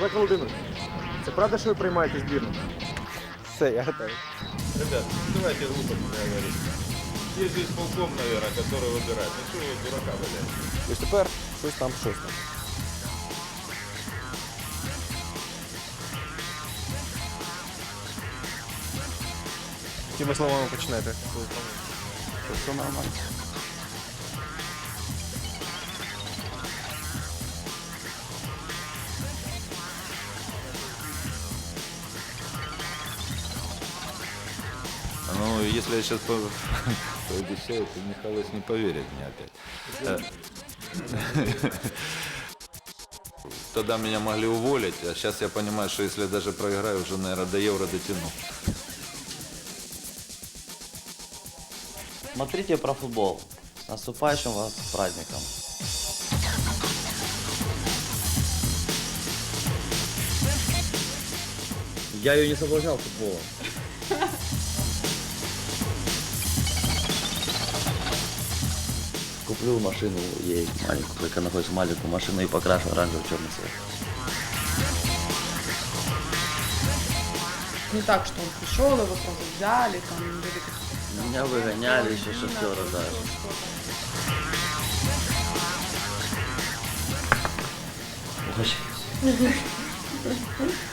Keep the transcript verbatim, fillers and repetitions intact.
Олег Володимирович, це правда, що ви приймаєте збірну? Все, я готовий. Ребят, ну давайте глупо не говорить. Есть же исполком, наверное, который выбирает. Ну что вы дурака валяете? Ось тепер щось там, щось там. Якими словами почнете? Все нормально. Ну, если я сейчас пообещаю, то Михалыч не поверит мне опять. Тогда меня могли уволить, а сейчас я понимаю, что если я даже проиграю, уже, наверное, до евро дотяну. Смотрите про футбол. С наступающим вас праздником. Я ее не соблазнял футболом. Куплю машину ей маленькую, только находится маленькую машину и покрашу оранжевый черный цвет. Не так, что он пришел, его сразу взяли, там были какие-то... Меня выгоняли еще шофера даже. Угощайтесь.